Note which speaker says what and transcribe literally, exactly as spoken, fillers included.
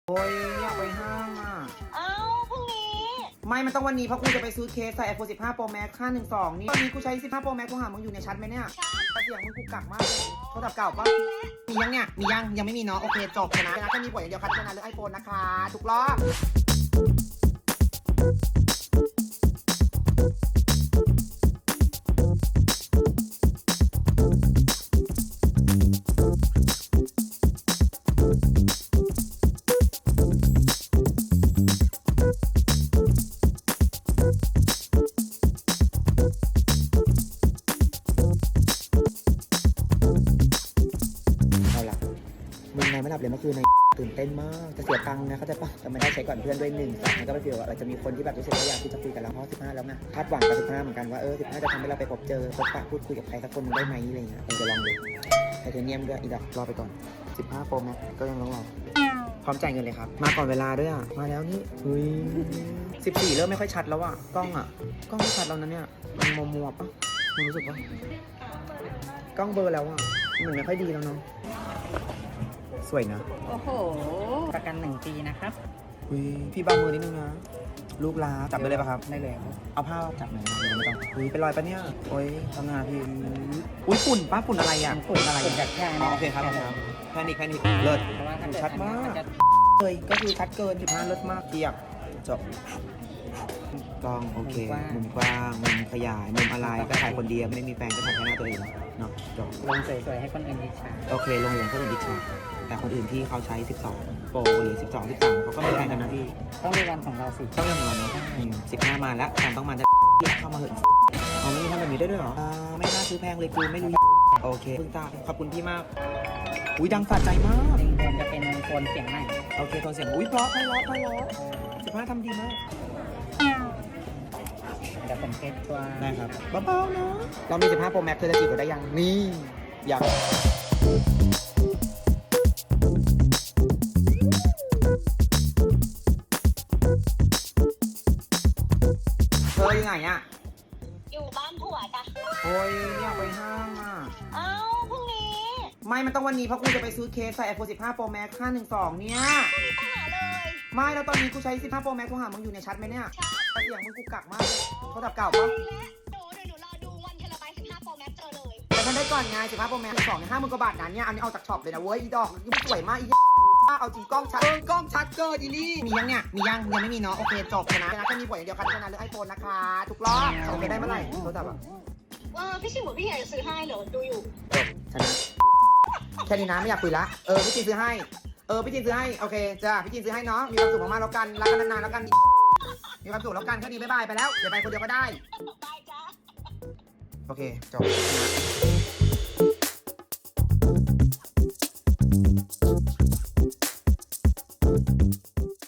Speaker 1: โอ้ยอยากไปห้างอ่ะ
Speaker 2: เอ้าพรุ่งนี้
Speaker 1: ไม่มันต้องวันนี้เพราะกูจะไปซื้อเคสใส่ ไอโฟนสิบห้า Pro Max ห้าหนึ่งสองนี่ตอนนี้กูใช้สิบห้า Pro Max กูหามึงอยู่ในชัดไหมเนี่ยแต่เสียงมึงกูกักมากเลยโทรศัพท์เก่าปะมียังเนี่ยมียังยังไม่มีเนาะโอเคจบชนะชนะแค่มีผลอย่างเดียวคัดชนะเรื่องไอโฟนนะคะทุกรอบมึงนอนไม่หลับเลยเมื่อคืนในตื่นเต้นมากจะเสียตังค์นะเขาจะปะแต่ไม่ได้ใช้ก่อนเพื่อนด้วยหนึ่งสองแล้วก็ไปฟีลว่าเราจะมีคนที่แบบรู้สึกว่าอยากที่จะคุยกับเราเพราะสิบห้าแล้วไงคาดหวังกับสิบห้าเหมือนกันว่าเออสิบห้าจะทำให้เราไปพบเจอพบปะพูดคุยกับใครสักคนได้ไหมอะไรเงี้ยเออจะลองดูไทเทเนียมด้วยอีดอกรอไปก่อนสิบห้า Pro Max ก็ยังต้องรอพร้อมจ่ายเงินเลยครับมาก่อนเวลาด้วยอ่ะมาแล้วนี่เฮ้ยสิบสี่เริ่มไม่ค่อยชัดแล้วอ่ะกล้องอ่ะกล้องไม่ชัดแล้วนะเนี่ยมันมัวมัวปะมึงรู้สึกปะกล้องเบลอแล้วอ่ะมันไม่ค่อยดีแล้วเนาะสวยนะ
Speaker 3: โอ้โห ประกันหนึ่งปีนะครับ
Speaker 1: อุ้ยพี่บางมือนิดนึงนะลูกลาจับได้เลยปะครับ
Speaker 3: ได้เลยครับ
Speaker 1: เอาผ้าจับหน่อยนะเดี๋ยวไม่ต้องอุ้ยเป็นรอยปะเนี่ยโอ้ยทำงานพี่อุ้ยฝุ่นป้าฝุ่นอะไรอ่ะฝุ่นอะไร
Speaker 3: ฝุ่นจากแค่
Speaker 1: อ๋อโอเคครับแพนิคแพนิคเลิศ
Speaker 3: เพราะว่าถ้าเกิด
Speaker 1: ชัดมาก
Speaker 3: นจะ
Speaker 1: เลยก็คือชัดเกินสิบห้าเลิศมากเทียบจบกล้องโอเคมุมกว้างมุมขยายมุมอะไรก็ถ่ายคนเดียวไม่ได้มีแฟนก็ถ่ายแค่หน้าตัวเองเนาะจบ
Speaker 3: ลงสวยๆให้คนอื่นอิจฉา
Speaker 1: โอเคลงเหรียญก็เป็นดิจิทัลแต่คนอื่นที่เขาใช้สิบสองโปรหรือสิบสอง สิบสามเขาก็ไม่แพงกันนะพี่
Speaker 3: ต้องมีวันของเราสิ
Speaker 1: ต้องเรื่องของเราเนาะสิบห้ามาแล้วการต้องมาจะเข้ามาเหอะเอาไม่มีทำแบบนี้ได้ด้วยเหรออ่าไม่น่าซื้อแพงเลยกูไม่รู้โอเคคุณตาขอบคุณพี่มากอุ้ยดังสะใจมาก
Speaker 3: หนึ่งคนจะเป็นโทนเสียงใหม่
Speaker 1: โอเคตอนเสียงอุ้ยเพราะไพเราะไพเราะสิบห้าทำดีมาก
Speaker 3: เดี๋ยวผมเทสตัว
Speaker 1: ได้ครับเบาๆเนาะเรามีสิบห้า Pro Max เธอจะจีบเราได้ยังนี่อยากเธออยู่ไหนอ่ะ
Speaker 2: อยู่บ้านผัวจ้ะ
Speaker 1: โอ้ยอยากไปห้างอ่ะ
Speaker 2: เอ้าพรุ่งนี้
Speaker 1: ไม่มันต้องวันนี้เพราะกูจะไปซื้อเคสใส่ ไอโฟนสิบห้า Pro Max ห้าหนึ่งสองเนี่ย
Speaker 2: พรุ่งนี้ไปหาเลย
Speaker 1: ไม่แล้วตอนนี้กูใช้สิบห้า Pro Max กูหามึงอยู่ในชัดไหมเนี่ยแต่เสียงมึงกูกักมากเลยโทรศัพท์เก่าปะ
Speaker 2: และหนูเดี๋ยวหนูรอดูวันเทเลไบสิบห้าโปรแม็กเจอเลย
Speaker 1: แต่ฉันได้ก่อนไงสิบห้า Pro Max สองเนี่ยห้าหมื่นกว่าบาทนั้นเนี่ยอันนี้เอาจากช็อปเลยนะเว้ยอีดอกนี่สวยมากอีเอาจริงกล้องชัดเออกล้องชัดเกินอีนี่มียังเนี่ยมียังยังไม่มีเนาะโอเคจบชนะชนะแค่มีผลอย่างเดียวคัดชนะเรื่องไอโฟนนะคะทุกรอบโอเคได้เมื่อไหร่โทรศัพท์อะ
Speaker 2: เออพี่ชิวบอกพี่ใหญ่จะซื้อให้เหรอดูอยู่
Speaker 1: จบชนะแค่นี้นะไม่อยากคุยละเออพี่จีนซื้อให้เออพี่จีนซื้อให้โอเคจ้าพี่จีนซื้อให้เนาะมีความสุขมากๆแล้วกันรักกันนานๆแล้วกันมีความสุขแล้วกันแค่นี้บ๊ายบายไปแล้วเดี๋ยวไปคนเดียวก็ได้
Speaker 2: ได้จ้า
Speaker 1: โอเคจบชนะ